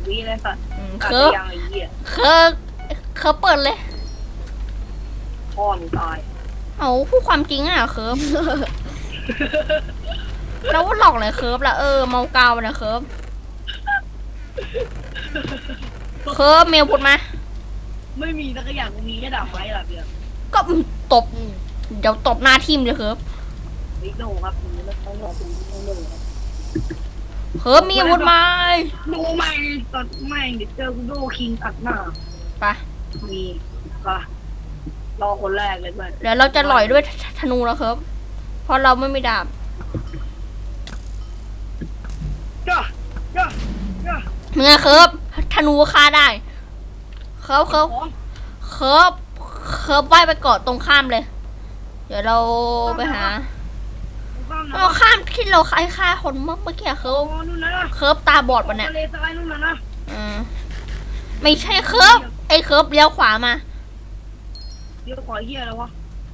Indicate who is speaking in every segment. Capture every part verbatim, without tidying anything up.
Speaker 1: วิเลยสัตว์
Speaker 2: อืม
Speaker 1: ตัด
Speaker 2: เคิร์ฟ
Speaker 1: ยังไอ้เหี้ย
Speaker 2: เคิร์ฟเคิร์ฟเปิดเลย
Speaker 1: พ่อมึงตาย
Speaker 2: เอาพูดความจริงอ่ะเคิร์ฟ แล้วว่าหลอกเลยเคิร์ฟละเออเมากาวนะเคิร์ฟเคิร์ฟเมลพูดมา
Speaker 1: ไม่มีสักอย่างกูมีแค่ดาบไม้หรอเพียง
Speaker 2: ก็ตบเดี๋ยวตบหน้าทิมเลยเคิร์ฟ
Speaker 1: วิโนครับมึงไม่ต้องรอคุณต้องโดนครับ
Speaker 2: เคิร์ฟมีอาวุธไหม
Speaker 1: โนแม่งตัดแม่งเดี๋ยวเจอกูโดคิงตัดหน้า
Speaker 2: ไป
Speaker 1: มีปะรอคนแรกเลยเพื่อน
Speaker 2: เดี๋ยวเราจะหล่อยด้วยธนูแล้วเคิร์ฟเพราะเราไม่มีดาบ
Speaker 1: จ้าจ้าจ้า
Speaker 2: เมื่อเคิร์ฟธนูฆ่าได้เคิร์ฟเคิร์ฟ
Speaker 1: ของ
Speaker 2: เคิร์ฟเคิร์ฟว่ายไปเกาะตรงข้ามเลย เดี๋ยวเราไปหา
Speaker 1: ข้ามนะ
Speaker 2: เราข้ามที่เราคล้ายฆ่าคนเมื่อเมื่อกี้เคิ
Speaker 1: โอ้
Speaker 2: ร์ฟ
Speaker 1: นู่นนะ
Speaker 2: เคิร์ฟตาบอดปะเนี่ย
Speaker 1: ทะเลทรายนู่นนะนะ
Speaker 2: อืมไม่ใช่เคิร์ฟไอ้เคิร์ฟเลี้ยวขวามา
Speaker 1: เดี๋ยวขอเฮียแล้ววะ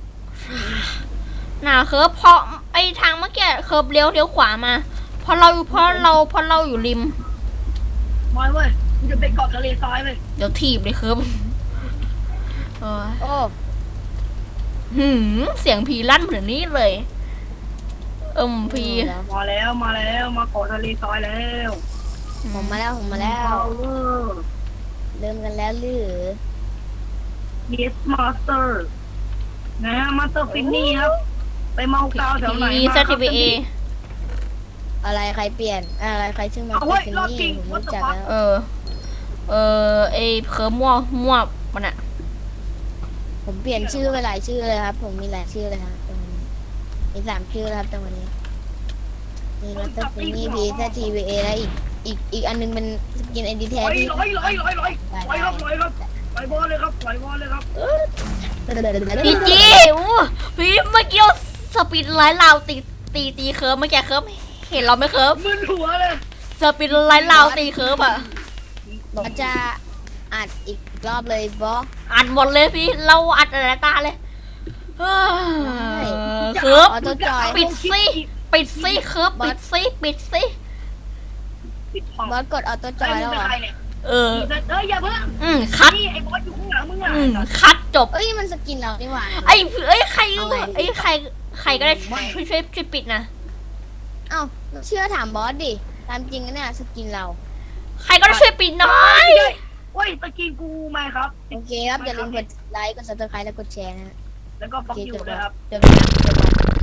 Speaker 2: น่าเคิร์ฟเพราะไอ้ทางเมื่อกี้เคิร์ฟเลี้ยวเลี้ยวขวามาเพราะเราเพราะเราเพราะเราอยู่ริม
Speaker 1: มาเว้ยมึงจะไปเกาะทะเลทรายเลย
Speaker 2: เดี๋ยวถีบเลยเคิร์ฟเออ
Speaker 3: โอ้
Speaker 2: หืมเสียงผีลั่นเหมือนนี้เลยเอิมพี
Speaker 1: มาแล้วมาแล้วมาเกาะทะเลทรายแล้ว
Speaker 3: ผมมาแล้วผมมาแล้ว
Speaker 1: เวอร์
Speaker 3: เริ่มกันแล้วหรือ
Speaker 1: yes master นะฮะมาสเตอร์ฟินนี่ครับ ไปเมากาวแถวไหน
Speaker 2: พี
Speaker 1: มา
Speaker 2: ซทีบีเอ
Speaker 3: อะไรใครเปลี่ยนอะไรใครชื่อมา
Speaker 1: เอาเว้ย
Speaker 3: ฟิน
Speaker 1: รอบ
Speaker 3: นี่
Speaker 1: จริง
Speaker 3: ผม
Speaker 1: what
Speaker 3: รู้
Speaker 1: the
Speaker 3: จัก
Speaker 1: fuck
Speaker 3: แล้ว
Speaker 2: เออ เออไอเคิร์ฟมั่วมั่วมันอะ
Speaker 3: ผมเปลี่ยนชื่อไปหลายชื่อเลยครับ ผมมีหลายชื่อเลยครับตรงนี้มีสามชื่อแล้วครับตรงนี้มีมาสเตอร์ฟินนี่พีซทีวีเอและอีกอีกอีกอันนึงเป็นสกินไอดีแท้
Speaker 1: ร้อย
Speaker 3: ที่
Speaker 1: ร้อยร้อยร้อยร้อยร้อยครับร้อยครับปล่อยบอลเลยครับปล่อยบอลเลยครับ
Speaker 2: พีจีอู้พี่เมื่อกี้เราสปีดไลท์ลาวตีตีตีเคิร์ฟเมื่อกี้เคิร์ฟเห็นเราไหมเคิร์ฟ
Speaker 1: มึนหัวเลย
Speaker 2: สปีดไลท์ลาวตีเคิร์ฟอะ
Speaker 3: มันจะอัดอีกรอบเลยบอส
Speaker 2: อัดหมดเลยพี่เราอัดอะไรตาเลยเฮ้ยเคิร์ฟ
Speaker 3: ออโต้จอย
Speaker 2: ปิดสิปิดสิเคิร์ฟปิดสิปิดสิ
Speaker 1: ปิดห้อง
Speaker 3: บอสกดออโต้จ
Speaker 1: ไอ้
Speaker 3: อย
Speaker 1: มึ
Speaker 3: แล้
Speaker 1: ง
Speaker 3: ว
Speaker 1: เป็น
Speaker 3: เหรอ
Speaker 1: ใครเนี่ย
Speaker 2: เออ
Speaker 1: เอ้ยอย่าเพิ่ง
Speaker 2: อืมคัด
Speaker 1: นี่ไอ้บอสอยู่ข้างหลังมึงอ่ะ
Speaker 2: อืมคัดจบ
Speaker 3: เอ้ยมันสกินเรานี่หว่า
Speaker 2: ไอ้เอ้ยใคร
Speaker 3: เอาไง
Speaker 2: ไอ้ใครใครก็ได้ช่วยช่วยช่วยช่วยปิดนะ
Speaker 3: เอ้าเชื่อถามบอสดิตามจริงนะเนี่ยสกินเรา
Speaker 2: ใครก็ได้ช่วยปิดหน่อย
Speaker 1: โอ้ยตะกี้กูไม่ครับ
Speaker 3: โอเคครับอย่าลืมกดไลค์กดซับสไครต์และกดแชร์นะฮะ
Speaker 1: แล้วก็
Speaker 3: โอ
Speaker 1: ฟัก
Speaker 3: เค
Speaker 1: ยู
Speaker 3: จบ
Speaker 1: นะ
Speaker 3: แล้ว
Speaker 1: ครับ
Speaker 3: จบแล้วจบแล้ว